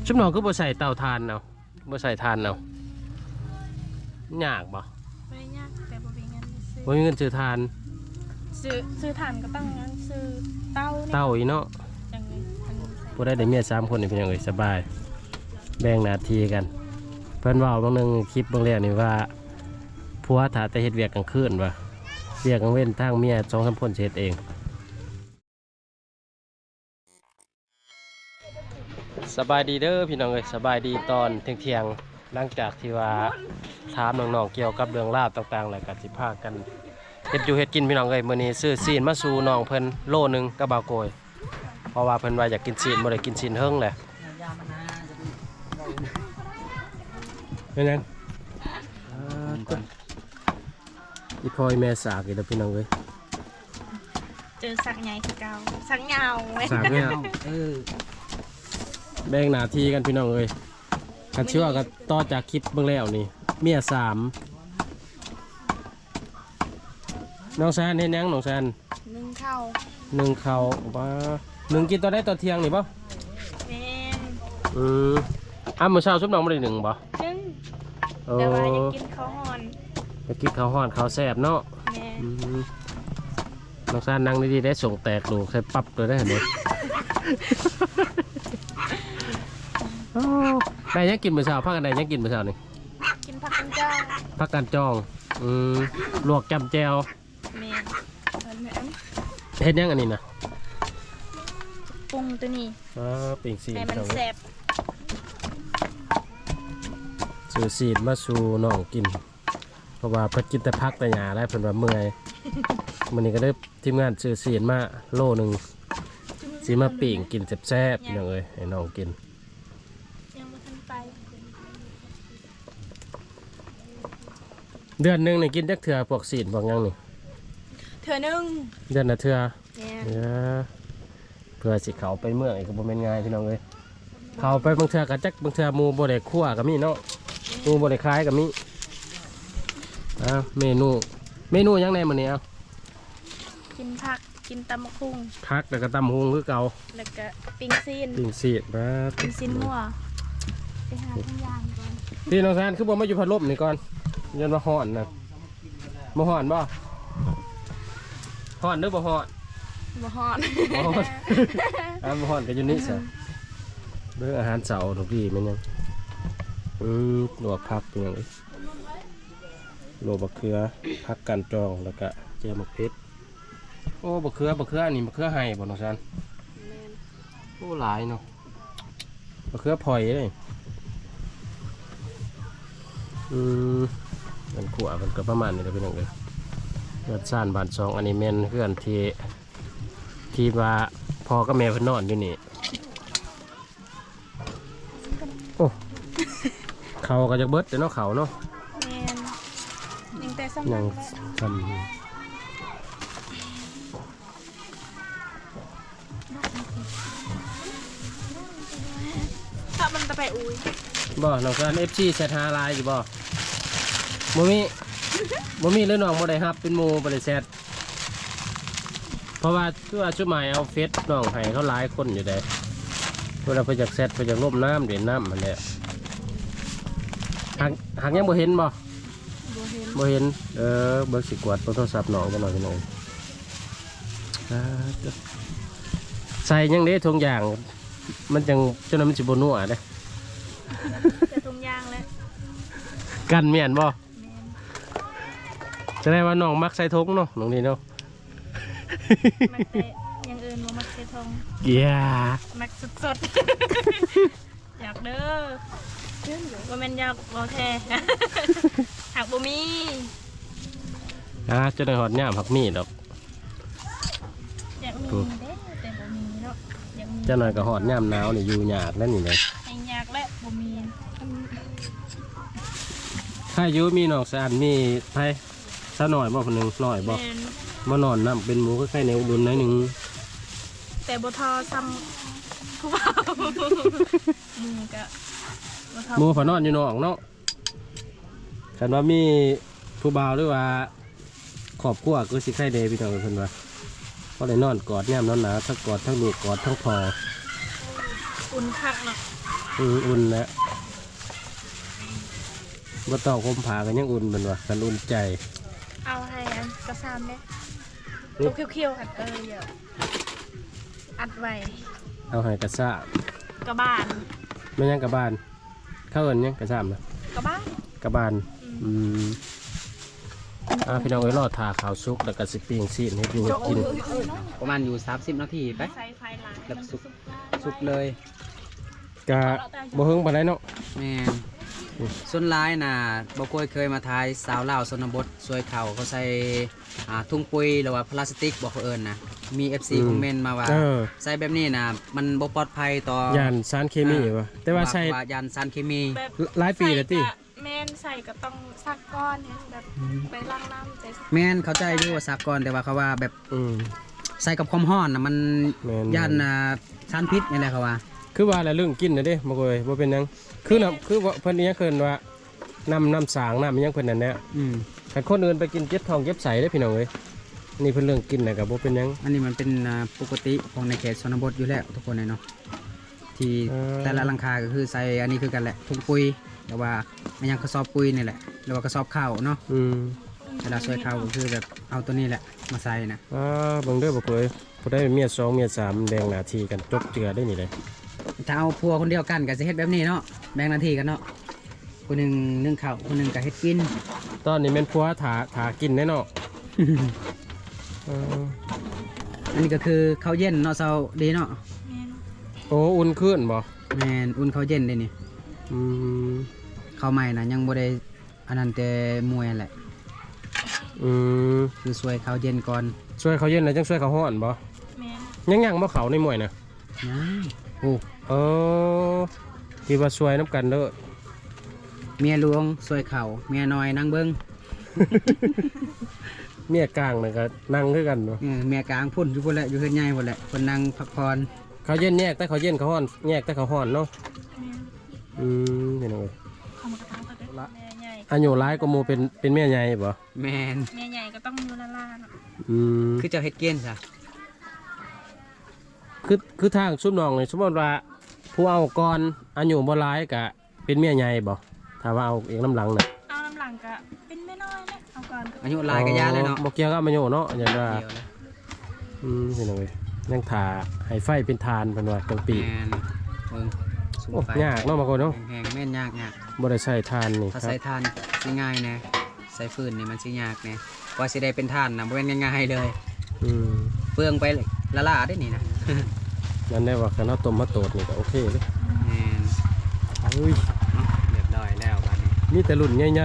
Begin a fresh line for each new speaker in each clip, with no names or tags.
ชุบน้องก็บ่ใส่เตาถ่านเอาบ่ใส่ถ่านเอายากบ่
ไม่ยากแต่บ่มีเงินซื้อ
บ่มีเงินซื้อถ่าน
ซื้อถ่านก็ต้องงั้นซื้อเต้า
อีเนาะ
จังเลย
บ่ได้เมีย3คนนี่เป็นจังได๋สบายแบ่งหน้าที่กันเพิ่นเว้าบางนึงคลิปบางแรกนี่ว่าผัวถ้าแต่เฮ็ดเวียกกลางคืนว่าเวียกกลางเว้นทางเมีย2-3คนสิเฮ็ดเองสบายดีเด้อพี่น้องเอ้ยสบายดีตอนเที่ยงหลังจากที่ว่าถามน้องๆเกี่ยวกับเรื่องราวต่างๆแล้วก็สิพากันเฮ็ดอยู่เฮ็ดกินพี่น้องเอ้ยมื้อนี้ซื้อซีนมาสู่น้องเพิ่นโลนึงกับบ่าวโกยเพราะว่าเพิ่นว่าอยากกินซีนบ่ได้กินซีนเฮิงแหละเป็นยังอีพอยแม่สากอีกแล้วพี่น้องเอ้ย
เจอสักใหญ่คือเก่าสักยาวเว้ย
สากเนี่ยแบ่งหน้าที่กันพี่น้องเอ้ยกันเชื่อกันต่อจากคลิปเบื้องแล้วนี่เมีย3น้องแซนเห็นยังน้องแซน
นึ่งข้าว
ว่า1กินตอนได้ตอนเที่ยงนี่ป่ะ
แม่
มื้อเช้าซุปน้องไม่ได้1ป่ะ
แต่ว่าอยากกินข้าวห่อน
อยากกินข้าวห่อนข้าวแซ่บเนาะ
แม่
น้องแซนนั่งดีๆได้ส่งแตกดูใส่ปั๊บเลยได้เห็นไหมได้ยังกินมื้อเช้าพักกันได้ยังกินมื้อเช้านี่
กินผักกันจ้อง
ผักกันจ้องลวกจำแจวเฮ็ดยังอันนี้นะ
ปรุงตัวนี้
ปิ่งซีน
ให้มันแซ่บ
ซื้อซีนมาสู่น้องกินเพราะว่าเพิ่นกินแต่พักแต่หญ้าได้เพิ่นว่าเมื่อยมื้อนี้ก็ได้ทีมงานซื้อซีนมาโลนึงสิมาปิ่งกินแซ่บๆพี่น้องเอ้ยให้น้องกินเดือนหนึ่งนี่กินจักเถื่อพวกซีนพวกยังนี่
เถื่อนึง
เดือนละเถื่อเพื่อสิเขาไปเมืองอีกก็บ่แม่นง่ายพี่น้องเอ้ยเขาไปบางเถื่อก็จักบางเถื่อหมู่บ่ได้คั่วก็มีเนาะหมู่บ่ได้คล้ายก็มีเมนูยังไงมื้อนี้เอา
กินผักกินตำมะคุง
ผักแล้วก็ตำหุงคือเก่า
แล้วก็ปิ้งซีน
มา
ปิ้งซีนมั่วไปหาทุกอย่างก่อน
พี่น้องแซนคือบ่มาอยู่พัดลมนี่ก่อนยันมาห่อนนะมาห่อนบ่ห่อนหรือบ่ห่อน
บ่ห่อน
บ่ห่อนกันอยู่นี่สิเรื่องอาหารเสาร์ทุกทีมันยังลวกผักเป็นยังไงโรยบะเขือผักกันจองแล้วก็แจ่วมะเขือโอ้บะเขืออันนี้บะเขือไห้บ่น้องแซนโอ้หลายเนาะบะเขือพลอยเลยมันขวมันก็ประมาณนี้เลยพี่น้องเลยเลือดซ่านบานซองอันนี้เมนเพื่อนที่ว่าพอก็แม่เพิ่นนอนอยู่นี่โอ้เขาก็จะเบิดแต่เนาะเขาเนาะ
ยังแต่ซ้ำถ้ามันจะไปอุ้ย
บ่น้องกันFCแชทหาไลน์อยู่บ่บ่มีหรือน้องบ่ได้ครับเป็นโมบ่ได้แชทเพราะว่าชุดหมายเอาเฟซน้องให้เขาหลายคนอยู่ได้เวลาไปจากแชทไปจากร่มน้ำเด่นน้ำมันเนี่ยหากยังบ่เห็นบ่เห็นเบิกสิกวาดโทรศัพท์น้องกันหน่อยพี่น้องใส่ยังได้ทุกอย่างมันจังจนมันสิบ่นัวเด้
แต่ทุกอย่างแล้ว
กันเมียนบ่จะได้ว่าน้องมักใส่ทงเนาะน้องนี่เนาะ
มักแต่ยังอื่นว่ามักใส่ทงมักสดๆอยากเด้อว่ามันอยากบ่แท้หักบ่มี
จะได้หอดย่ามผักมีดอก
อยากมีเด้แต่บ่มีเนาะ
จะหน่อยก็หอดย่ามหนาวนี่อยู่ยากแล้วนี่เลย
ยากและบ่มี
ถ้าอยู่มีน้องสะอาดมีไผซะหน่อยบ่คนหนึ่งหน่อยบ่มานอนน้ำเป็นหมูก็ใกล้แนวดุนหน่อยหนึ่ง
แต่บ่ทอซ้ำผู้บ่าว
หมูผานอนอยู่นอกเนาะคันว่ามีผู้บ่าวหรือว่าขอบครัวก็สิใกล้เดพี่น้องเพิ่นว่าก็เลยนอนกอดแนมนอนหนาทั้งกอดทั้งลูกกอดทั้งพอ
อุ่นคักเนาะ
อุ่นแล้วบ่ต้องคมผากันยังอุ่นมันวะกันอุ่นใจ
เอาให้อันกระซามเนี่ย
นี่
ตัวเคี้ยวๆอัดเดี๋ยวอัดไว้
เอาให้กระซ่าก
ระบาล
ไม่ยังกระบานเข้าเอินยังกระซ่ามนะ
กระบ้าน
กระบานพี่น้องเอ้ยรอทาขาวซุกแล้วก็สิปิ้งซีนให้ดูกิน
ประมาณอยู่30นาทีไป
ใส่ไฟหลาย
แล้ว
มัน
สุกเลย
กะบ่เฮิงปานใดเนาะ
แม่นส่วนร้ายน่ะบ่เคยมาทายสาวลาวชนบทซวยเขาใส่ถุงปุ๋ยหรือว่าพลาสติกบอกเขาเอิ้นนะมี FC คอมเมนต์มาว่า
เออ
ใส่แบบนี้น่ะมันบ่ปลอดภัยต่อย
านสารเคมีวะแต่ว่าใส่
ยานสารเคมี
แบบ
หลายปีแล้วติ
ใส่กะแม่นใส่ก็ต้องซักก้อนเนี่ยแบบไปล้างน้ำใจ
แม่นเข้าใจอยู่ว่าสากลแต่ว่าเขาว่าแบบ
อืม
ใส่กับความร้อนน่ะมัน
แม่น
ยานสารพิษนี่แหละเขาว่า
คือว่าอะไรเรื่องกินนะเด้บ่เคยบ่เป็นหยังคือน่ะคือว่าเพิ่นนี่เคินว่าน้ำสางน้ำอิหยังเพิ่นนั่นแหละ แต่คนอื่นไปกินเจ็บท้องเจ็บใสได้พี่น้องเอ้ยนี่เพิ่นเรื่องกินน่ะก็บ่เป็นหยัง
อันนี้มันเป็นปกติของในเขตชนบทอยู่แล้วทุกคนเลยเนาะที่แต่ละหลังคาก็คือใส่อันนี้คือกันแหละถุงปุ๋ยแต่ว่ามันยังกระสอบปุ๋ยนี่แหละหรือว่ากระสอบข้าวเนาะ เวลาช่วยข้าวก็คือแบบเอาตัวนี้แหละมาใส่นะ
เบิ่งเด้อบ่เคยบ่ได้เมีย2เมีย3แบ่งหน้าที่กันจบเจือได้นี่เลย
ถ้าเอาพัวคนเดียวกันก็จะเฮ็ดแบบนี้เนาะแบ่งหน้าที่กันเนาะคนหนึ่งนึ่งข้าวคนหนึ่งก็เฮ็ดกิน
ตอนนี้แม่นผัวถากินแน่เนาะ
อันนี้ก็คือข้าวเย็นเนาะเซาดีเนาะ
แม่น
โอ้อุ่นขึ้นบ่
แมนอุ่นข้าวเย็นได้นี่
อืม
ข้าวใหม่นะยังบ่ได้อันนั้นแต่มวยแหละ
อืม
คือสวยข้าวเย็นก่อน
ช่วยเขาเย็นแล้วจังช่วยเขาฮ้อนบ่
แม่น
ยังบ่เขาในหมวยน่ะ
ยังโอ้
เออที่ว่าช่วยน้ำกันเด้อ
เมียหลวงสวยข้าวเมียน้อยนั่งเบิ่ง
เมียกลางน่ะก็นั่งคือกันเนาะ
เมียกลางพุ่นอยู่พุ่นแหละอยู่เฮือนใหญ่พุ่นแหละคนนั่งพักผ่อน
เขาเย็นแยกแต่เขาเย็นเขาฮ้อนแยกแต่เขาฮ้อนเนาะ
แม่น
พี่น้องเอ้ย
เขามากระทำกันด้วยแม่ใหญ่
อายุหลายกว่าหมู่เป็นแม่ใหญ่บ่
แมน
แม่ใหญ่ก็ต้องอยู่ละล่าเนาะ
คือเจ้าเฮ็ดเกี้ยนซะ
คือทางซุปน้องนี่สมมติว่าผู้เอาก่อนอายุบ่หลายก็เป็นเมียใหญ่บ่ถ้าว่าเอาเองน้ำหลังน่ะ
เอาน้ำหลังก็เป็นแม่น้อยแหละเอาก่อนก็
อายุหลายก็ยาเลยเนาะ
บ่เกี่ยวกับอายุเนาะอย่างว่า
เดียวเลย
พี่น้องเอ้ยยังถ่าให้ไฟเป็นทานเพิ่นว่าจังปี
แมนเบิ่งสูง
โอ้
ไฟ
ยากเนาะบางคนเนาะ
แห้งๆแม่นยาก
บ่ได้ใช้ทานนี่
ถ้า
ครั
ใส่
บ
ทานสิง่ายแน่ใส่ฟืนนี่มันสิยากแน่กว่าสิได้เป็นทานนะบ่แม่นง่ายๆเลย
อืม
เปลืองไปละล่าได้นี่นะ
นั่นได้ว่าคันเฮาต้มมาโตดนี่ก็โอเคเลย
แม่น
อุ้ย
เรียบร้อยแล้วบัดนี้
มีแต่รุ่นใหญ่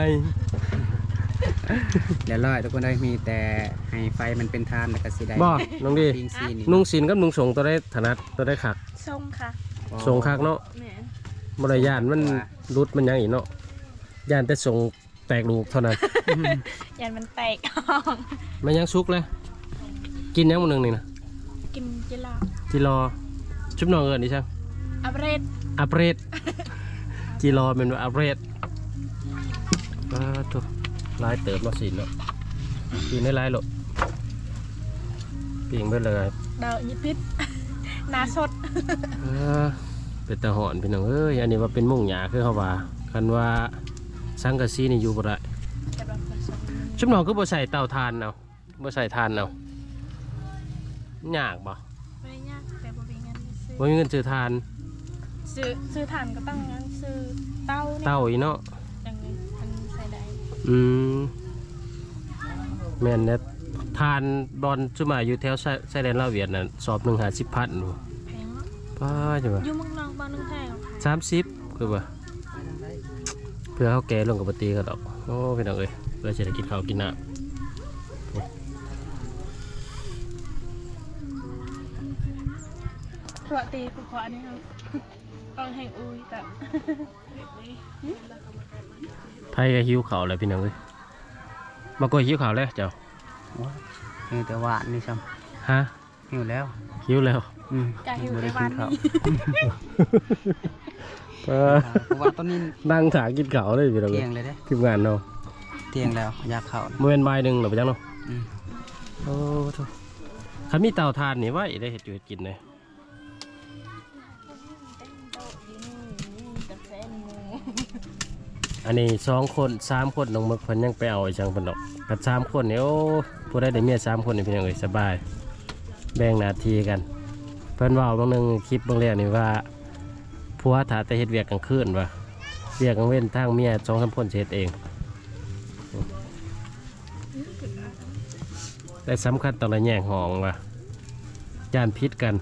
เรียบร้อยทุกคนได้มีแต่ให้ไฟมันเป็นทานแล้วก็สิได้
ๆบ่น้องดี
ปิ้งซีนี่
นุ่งศีลกับนุ่งสงตัวได้ถนัดตัวได้คัก
ทรงค่ะ
สงคักเนาะ
แม่น
บ่ได้ย่านมันรุดมันหยังอีกเนาะย่านแต่สงแตกลูกเท่านั้น
ยันมันแตก
มันยังสุกเลยกินยังมื้อนึงนี่นะ
กินเจลา
จิรอชุบน้องเอิ้นดิช่าง
อัปเรด
อัปเรดจิรอเป็นว่าอัปเรดถูกลายเติบมาสิเนาะกินได้หลายโลปิ่งไปเลย
ดาวยิพิษ นาสด
เป็นตะหอนพี่น้องเอ้ยอันนี้ว่าเป็นมุ่งหยาคือเขาว่าคันว่าสังกะสีนี่อยู่บ่ได้
กำลังผสม
ชุบน้องคือบ่ใส่เตาถ่านเอาบ่ใส่ถ่านเอายากบ่
ไม่ได้ยากแต่บ่มีเงินซื้อ
บ่มีเงินซื้อถ่าน
ซื้อถ่านก็ต้องงั้นซื้อเต้านี่
เตาอีเนาะ
อย่างนี้มันใส่ได้
แม่นเนี่ยทานบอลชุมาอยู่แถวไซแดนลาวเวียดน่ะสอบ150,000หนู
แพงเนาะ
ป้าจังว่า
อยู่เมืองนอกบ้านนึงแพงกว่า
30คือว่าเพื่อเขาแก่ลงกับปตีเขาดอกโอ้พี่น้องเอ้ยเพื่อจะได้กินข้าวกินน้ำ
ปกติคือขออันนี้ครับต้องให้อุ้ยแต่
ไพ่ก็หิวข้าวแล้วพี่น้องเอ้ยมาโกยหิวข้าวแล้วเจ้า
หิวแต่หวานนี่ซ้
ฮะ
ำหิวแล้ว
หิวแล้ว
กาหิวในวันนี้
เพราะว่าตอนนี้
นั่งถากินข้าวเลยพี่น้อง
เที่
เอ้
ย
ย
งเลยเด้
ทีมงานเนาะ
เที่ยงแล้วอยากเข้า
โมเมนต์บ่ายหนึ่งหรือเปล่าเนาะ
อืม
โอ้โหคันมีเตาถ่านนี่ไว้ได้เห็ดอยู่เห็ดกินเลยอันนี้2 คน3 คนน้องมึกเพิ่นยังไปเอาไอ้จังเพิ่นดอกกับ3 คนเนี่ยโอ้ผู้ใดได้เมีย3 คนนี่พี่น้องเอ้ยสบายแบ่งหน้าที่กันเพิ่นเว้าบางนึงคลิปบางแรกนี่ว่าผัวถ้าแต่เฮ็ดเวียกกลางคืนว่าเวียกกลางเว้นทางเมีย2-3 คนสิเฮ็ดเองแต่สำคัญต้องระแยงห้องว่าย่านพิษกัน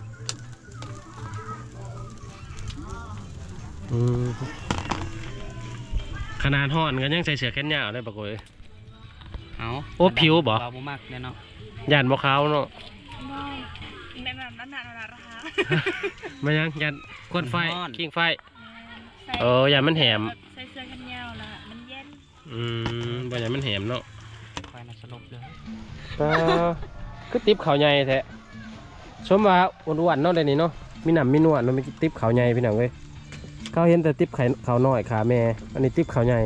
ขนาดห่อนกันยังใส่เสื้อแขนยาวได้ปะโกย
เอา
โอ้ผิวบ่
เราบ่มักเนี่ยเนาะ
ย่านบ่ขาวเนาะ
ในแบบนั้นน่ะราคา
มายังย่านควนไฟคิงไฟ
ใส่
ย่านมันแหม
ใส่เสื้อกันยาวละมันเย็น
บ่ย่านมันแหมเนาะ
ไฟน่ะสลบเลย
คือติ๊บเขาใหญ่แท้ชมว่าอ้วนๆเนาะได้นี่เนาะมีหนำมีนวดเนาะมีติ๊บเขาใหญ่พี่น้องเว้ยเขาเห็นแต่ติ๊บเขาน้อยขาแม่อันนี้ติ๊บเขาใหญ่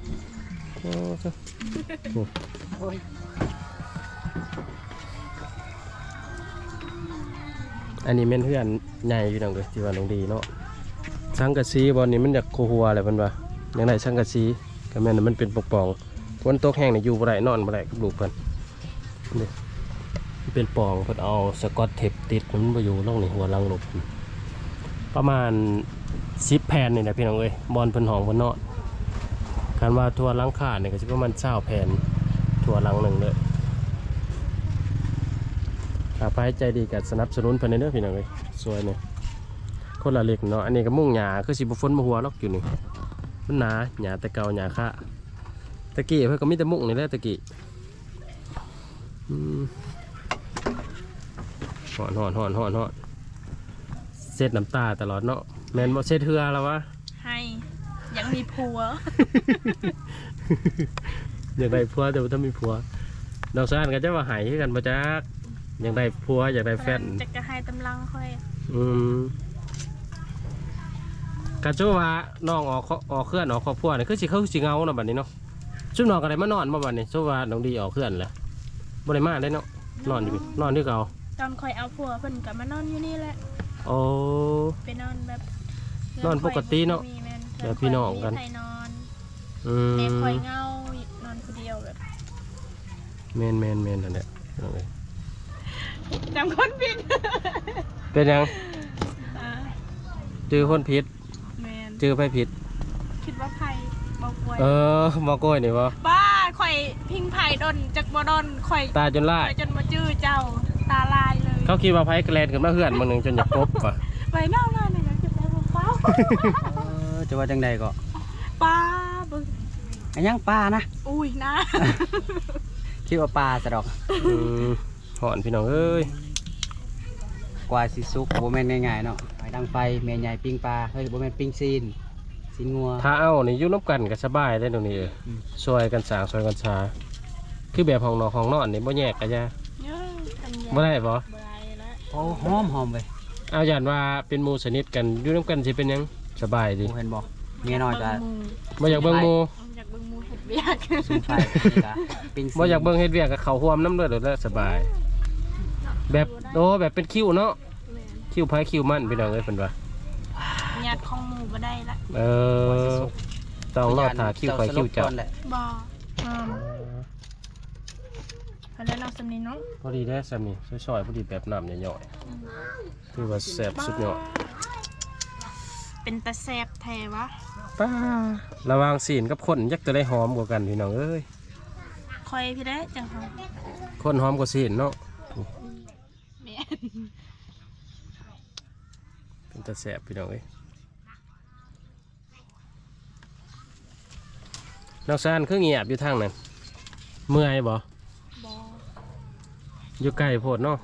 อันนี้เป็นเพื่อนใหญ่พี่น้องเว้ยที่ว่าน้องดีเนาะสังกะสีบอลนี้มันอยากโคหัวอะไรมันวะอย่างไรสังกะสีก็แม่นมันเป็นปกป้องฝนตกแห้งเนี่ยอยู่บ่ได้นอนบ่ได้กับลูกเพิ่นนี่เป็นปองเพิ่นเอาสกอตเทปติดมันบ่อยู่ล่องในหัวลังหลบประมาณ10 แผ่นนี่นะพี่น้องเอ้ยบอลเพิ่นห้องเพิ่นนอนการว่าทั่วหลังคาเนี่ยก็สิประมาณ20 แผ่นทั่วหลังหนึงเด้อถ้าไปใจดีก็สนับสนุนเพิ่นเด้อพี่น้องเอ้ยสวยเนี่ยคนละเล็กเนาะอันนี้ก็มุ่งหญ้าคือสิบ่ฝนบ่หัวหรอกอยู่นี่มันหนาหญ้าแต่เก่าหญ้าค่าตะกี้เพิ่นก็มีแต่มุกนี่แหละตะกี้หอนเซ็ดน้ำตาตลอดเนาะแมนบ่เซ็ดเทือแล้ววะ
ให้ยังมีผัว
อยากได้ผัวแต่ว่าถ้ามีผัวดอกซ่านก็จะว่าหายกันมาจักอยากได้ผัวอยากได้แฟน
จะกระให้ตำลังค่อย
กะโจว่าน้องออกเคลื่อนออกครอบครัวนี่คือสิเขาสิเงาเนาะบัดนี้เนาะซุ่มน้องก็ได้มานอนมาบัดนี้โจว่าน้องดีออกเคลื่อนแหละบ่ได้มาได้เนาะนอนอยู่เก่า
ตอนค่อยเอาผัวเพิ่นก็มานอนอยู่นี่แหละ
โอ้
ไปนอนแบบ
นอนปกติเนาะแบบพี่น้องกัน
มีใครนอน
ม
แม่คอยเงานอนคนเดียวแบบ
แมนนั่นแหละเอาเลย
จำคนผิด
เป็นยังจือคนผิด
แมน
จือไปผิด
คิดว่าไผ่บอกไว้
บอกกล้วยนี่วะ
บ้าข่อยพิงไผ่ดนจากบ่ดนข่อย
ตาจนล่า
ข่อยจนมาจื้อเจ้าตาลายเลย
เขาคิดว่าไพ่แกลนขึ้นมาเพื่อนมึงหนึ่งจนอยากพบป่ะ
ไปเน่าๆเนี่ยอยากจะไปบอกเป้า
จะว่าจังใดก็
ป้าบึง
อันยังปลานะ
อุ้ยนะ
คิดว่าปลาซะดอก
หอนพี่น้องเอ้ย
กว่าสิสุกบ่แม่นง่ายๆเนาะไปดังไฟแม่ใหญ่ปิ้งปลาเฮ้ยบ่แม่นปิ้งซีนงัว
ถ้าเอานี่อยุ่น้ำกันก็สบายได้ตรงนี้ซอยกันสางซอยกันชาคือแบบห้องนอนห้องนอนนี่บ่แยกกันจ้ะบ่ได้ปะ
บ่ได้แล้ว
โอ้หอมเว้ย
เอาอย่างว่าเป็นหมู่สนิทกันอยู่น้ำกันสิเป็นหยังสบายดี
เห็นบ่เมียน้อยก็
บ่อยากเบิ่งหมู่
อยากเบิ่งหมูเห็ดเบียก
ซุ่มไฟนี่ก็ปิ้งซีน
บ่อยากเบิ่งเฮ็ดเวียกกับเขาห่วมน้ำเลือดแล้วสบาย แบบแบบเป็นคิวเนาะคิวไผคิวมันพี่น้องเอ้ยเพิ่นว่า
ญาติของหมูบ่ได้ละ
ต้องรอถ่าคิวไผคิวเจ้า
บ่พอแล้วเนาะสำนีเนาะ
พอดีได้สามีซอยๆพอดีแบบน้ำย่อยๆคือว่าแซ่บสุดยอด
เป็นตะแซบแท้วะ
ป้าระวังศีลกับคนยักจะได้หอมกว่ากันพี่น้องเอ้ย
คอยพี่ได้จังหวะ
คนหอมกว่าศีลเนาะ
แม่
เป็นตาแซ่บพี่น้องเอ้ยน้องซานคือเงียบอยู่ทางนั้นเมื่อยบ่
บ่
อยู่ไกลโพดเนาะ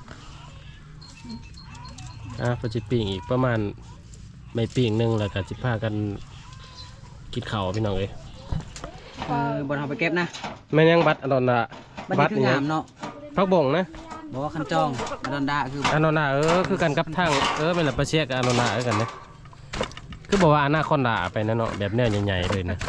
ปจิปิ่งอีกประมาณไม่ปิ่งหนึงแล้วก็จิพากันกินข้าวพี่น้องเอ้ย
บ่เอาไปเก็บนะ
แม่นยังบัตรอดอนละ
บัดนี้คืองามเนาะ
พักบ่งนะ
บอกว่าคันจองอดอนดาคือ
อานอนาคือกันกับทางเป็นละประเชียกับอานอนากันนะคือบอกว่าอนาคอนดาไปนะเนาะแบบเนี้ยใหญ่ๆเลยนะ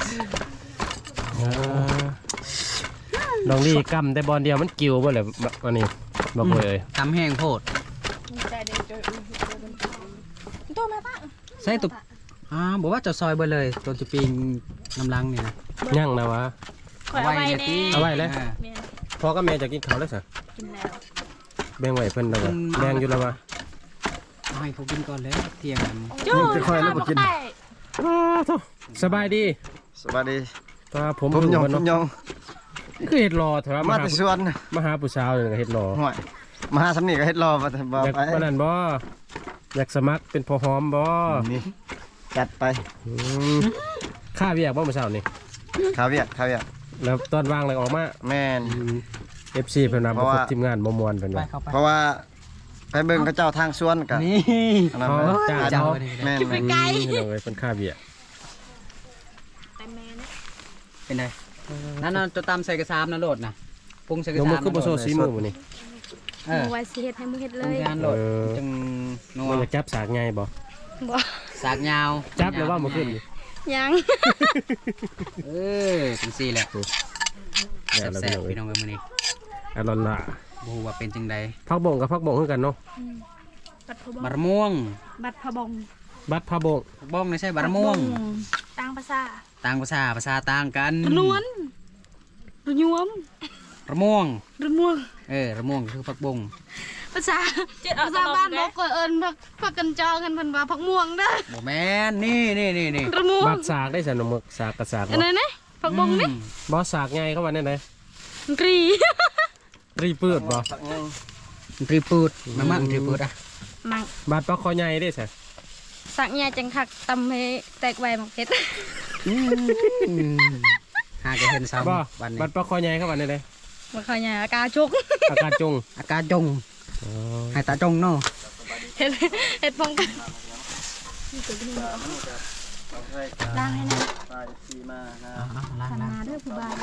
น้องดีกำแต่บอลเดียวมันกิ้วบ่เลยอันนี้บอกเลย
ตำแห้งโพด
ใจเด็กตัวแม่ป้า
ใส่ตุบบอกว่าจะซอยเบอร์เลยตัวจะปีนน้ำลังนี่นะ
ย่างนะวะ
ข่อยเอาไว้แน่
เอาไว้เลย
แม่น
พ่อกับแม่จะกินข้าวแล้วสิ
กินแล้ว
แบ่งไว้เพิ่นแล้ววะแบ่งอยู่แล้ววะ
เอาให้เขากินก่อนเลยเที่ยงกัน
จะค่อยแล้วบ่กิน สบายดี
สวัสดี
ตาผม
ผมยอง
เนาะ
ผมยอง
คือเฮ็ดรอเถอะ
มา
มา
แต่สวน
มาหาผู้สาวนี่ก็เฮ็ดรอ
ห่วยมาหาสำนีก็เฮ็ดรอมาแต่บ่
อยาก
ไป
ปานนั้นบ่อยากสมัครเป็นพอหอมบ่
นี่จัดไป
อืมค่าเวียกบ่มื้อเช้านี่
ข้าวเวียกข้าวเวียก
แล้วตอนวางเลยออกมา
แม่น
FC เพิ่นว่าบ่ครบทีมงานบ่ม่วนเพิ่น
ไป
ว่า
เข้าไป
เพราะว่าไปเบิ่งเขาเจ้าทางสวนกัน
นี่
อันนั้น
อ๋อ
นะ
จ้า
เจ้า
แม่น
ไปไกล
เพิ่นเอาไว้เพิ่นค่าเวียก
แต่แม่น
เป็นไงนั่นน่ะจะตำใส่กระซามนะโหลดนะปรุงใส่กระ
ลง
ซาม
มือคือบ่โซซีมือมื้อนี้
เออ
หมูไว้สิเฮ็ดให้มึงเฮ็ด
ป
เล
รุง
ย
งานโหลด
เออ
จังนัว
บ่อยากจับสากไงบ่
บ่
สากยาว
จับแล้วว่าบ่ขึ้นนี่
ยัง
เออจังซี่แหละ
แล้ว
แซ่บๆ
พี่
พี่
น้
น้
อ
อง งเอ้ยมื้อนี้
อร่อยล่ะ
บ่ฮู้ว่าเป็นจังใด
ผักบงกับผักบงคือกันเนาะ
บัดพะบง
บะม่วง
บัดพะบง
บัดผักบง
บ้องนี่ใช่บะม่วง
ต่างภาษา
ต่างภาษาต่างกัน
ระนวลระยวม
ระม่วง
ระม่วง
ระม่วงคือผักบง
ภาษาภาษาบ้านบอกก็เอิ้นผักกันจองกันเพิ่นว่าผักม่วงเด้อ
บ่แม่นนี่นี่
ระม่วง
บัดสากได้สนุมึกสากกับสาก
อันนั้นนะผักบงนี่
บ่สากไงเข้ามาได้ไหน
กรี
ตรีปืดบ่
สักนึง
ตรีปูดมันตรีปูดอ่ะ
มัง
บัดปลาคอใหญ่ได้สะ
สักใหญ่จังคักตำให้แตกไวหมกเฮ็ด
หาจะเห็นซ้
บ่
ำวันนี้
บัดปลาคอใหญ่เข้ามาได้ไหน
บ่ค่อยใหญ่อากาจุก
อากาศจง
อากาศจงให้ตาจงเนาะ
เฮ็ดป้องกันล้างให้นะ
ไปสีมานะ
ล้าง
ขันมาเด้อผู้บ่าว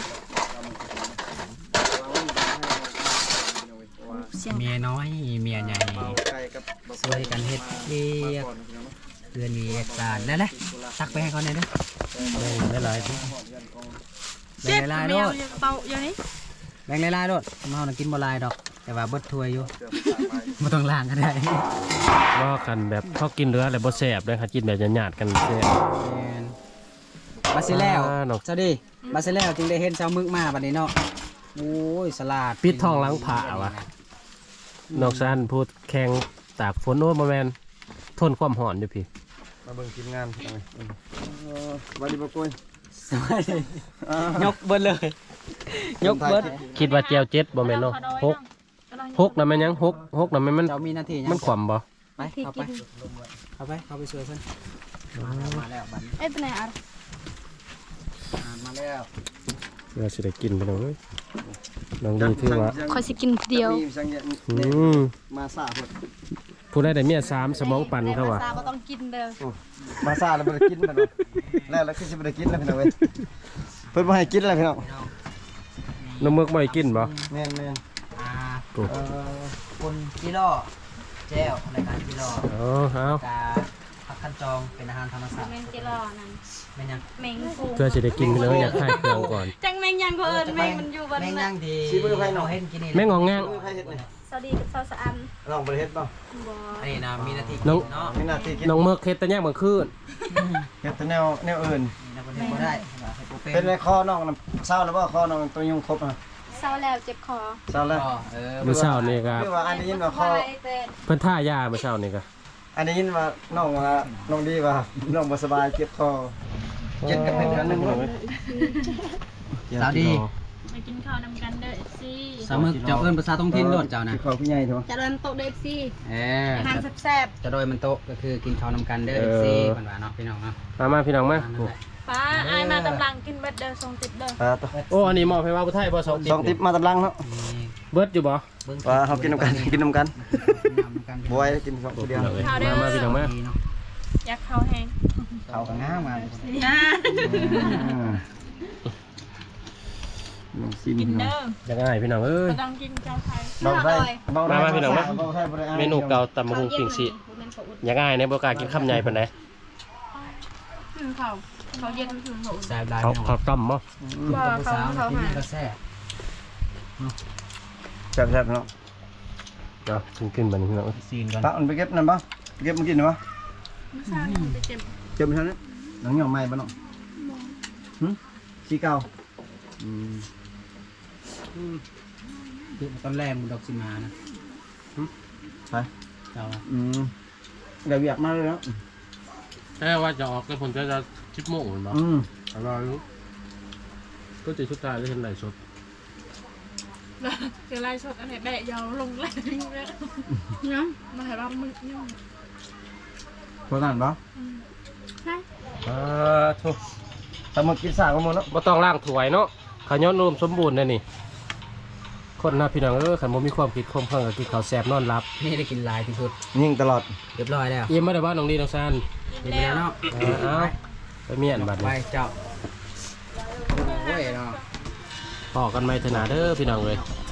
เสียง
เมียน้อยเมียใหญ่
เบาไก่กับ
ช่วยกันเฮ็ดเรียกเพื่อนมีเอกสารได้เลยตักไปให้เขาหน่อยเด้อ
ได้หลายที่
แบ่ง
แม
ลายๆโล
ว
ด
เป่าอยู่นี่
แบ่งลายๆโลดเมาน่ะกินบ่ลายดอก แต่ว่าเบิดถ้วยอยู่บ่ต้องล้างก็ได้
บ่คันแบบเขากินเรือแล้วบ่แซ่บเด้อค่ะกินแบบหยาดๆกันแซ่บ
บาซิแล้ว
เนาะ
สวัสดีบาซิแล้วจึงได้เห็นเช้ามึกมาบัดนี้เนาะโอ้ยสลัด
ปิดทองหลังผาว่ะนอกซันพูดแข่งตากฝนโอ้บ่แม่นทนความร้อนอยู่พี่
มาเบิ่งทีมงานพี่น้องสวัสดีบ่กุ้ย
สวัสดียกเบิดเลย ยกเบิด
คิดว่าแจวเจ็ดบ่แม่นเนาะ6น่ะแม่นยัง6น่ะแม่นมัน
เจ้ามีหน้าที่ยัง
มันขวำบ่
ไปเข้าไปเข้าไปช่วยเพิ่นมาแล้วบัดนี้
เอ้ยเป็นไงอ่ะ
มาแล้ว
เราสิได้กินไปแล้วเว้ยน้องดีถือว่า
ขอสิกินเดียว
มีสังเกต
อืม
มาซ่าเพิ่น
ผู้ใดได้เมีย3สมองปั่นเขาว่า
ซาบ่ต้องกินเด้อ
มาซ่าแล้วบ่ได้กินมันแล้วคือสิบ่ได้กินแล้วพี่น้องเว้ยเพิ่นบ่ให้กินแล้วพี่น้อง
น้ำมึกบ่ให้กินบ่
แม่น
อ่า
โอ้
คนกิโลแจ้วรายการกิโล
เอา
กาผักคันจองเป็นอาหารธรรมชาติ
แมงจิรอนั่น
แม่นยัง
แมงฟู
เพื่อสิได้กินไปเลยอยากให้เครื่องก่อน
จังแมงยังก็เอิ้นแมงมันอยู่บน
แม่ง
นั้
ยั
น
งดีเราเห็นกินนี่
แม่งงองแงง
ๆใครเฮ็ดนี่
สวัสดีกับสาวสะอัน
ลองบ่ได้เฮ็ดบ่
บ่
อันนี้นะมีหน้าที่
น้อง
เนาะ
มีหน้าที่กิน
น้องมึกเฮ็ดแต่แยกเมื่อคืน
เฮ็ดแต่แนวอื่น
นะคนนี้บ่ได้ให้กูเป็น
เป็นในคอน้องน่ะเศร้าแล้วบ่คอน้องตัวยุงครบอ่ะ
เศร้าแล้วเจ็บคอ
เศร้าแล้ว
มื้อเช้านี่ก็
คือว่าอันนี้ยินว่าคอ
ไว้แต่
เพิ่นท่ายามื้อเช้านี่ก็
อันนี้ยินว่าน้องดีว่าน้องบ่สบายเจ็บคอเจ็บกันเป็นเดือนหนึงเลย
สาวดี
ไปกินข้าวนำกันเด้อสิ
สาวมึกเจ้าเอิ้นภาษาท้องถิ่นโลดเจ้านะ
คือเขาพี่ใหญ่เถอะ
จะเริ่มโต๊ะเด้อสิ อาหาร
จะ
แซ่บ
โดยมันโตะก็คือกินข้าวนำกันเด้อซีเพิ่นว่าเนาะพี่น้องเนาะ
มาพี่น้องมา
ๆป้าอายมาตำลังกินเบิดเด้อส่งติดเด้อ
ตัว
โอ้อันนี้มอบให้ว่าผู้ไทยบ่2
สองติ๊บมาตำลังเนาะ
นี่
เบิดอยู่บ่
เบิ่ง
ว่าเขากินน้ำกันกินน้ำกัน
น้ำกัน
บวยกินสองคนเดียว
มาพี่น้องมา
ดีเนาะ
อยากข้าวแห้ง
เข้ากันงามมา
ซิม
กินเด้อ
อยากง่ายพี่น้องเอ้ย
บ่ต้องกินเจ้าไทย
เบาไส้
มาพี่น้องมาเมนูเก่าตำบักหุ่งปิ่งสิอยากง่ายในบ่กล้ากินคำใหญ่ปานใด
คือเขาเย็นคือเขา
แซ่บได้
เขาต้มบ่
บ่เขาหา
ก็แซ่บ
แซ่บๆเนาะ
เนาะขึ้นบัดนี้พี่น้อง
ซีนก่อน
ปะมันไปเก็บนั่นปะเก็บมากินหรือปะ
ไม่ใช่เขาไปเจ็บ
เจอมันเท่านั้นหนังเหนียวใหม่ปะเนาะสีเก่า
คือตอนแรกมึงดอกสิมานะ
ไป
เจ้าอะ
เดี๋ยวอยากมาเลยแล้ว
แค่ว่าจะออกแต่ผมจะชิปโมงเหมือนบ้าอร่อยรู้ก็จะชุดตายได้เห็นไหลสด
คือไล่สดอันไหนแบะยาวลงแรงเลยเนาะมาให้บ้ามึงเนี่ย
พอกันปะ
ใช่
ทุก
แต่มากินสากกันหมดเนาะ
บ่ต้องล้างถ้วยเนาะขย้อนนมสมบูรณ์เลยนี่คนนะพี่น้องขันบ่มีความคิดความเพิ่งก็กินข้าวแซ่บนอนหลับ
นี่ได้กินหลายที่สุด
ยิงตลอด
เรียบร้อยแล้ว
เยี่ยมมาได้บ้านน้องดีน้องซาน
เรียบร้อยแล้วเนาะ
เอาไปเมียนบัด
ไป
นี้
เจ้าโอ้ยเนาะ
พอกันไหมเถอะนาเด้อพี่น้องเลย
เ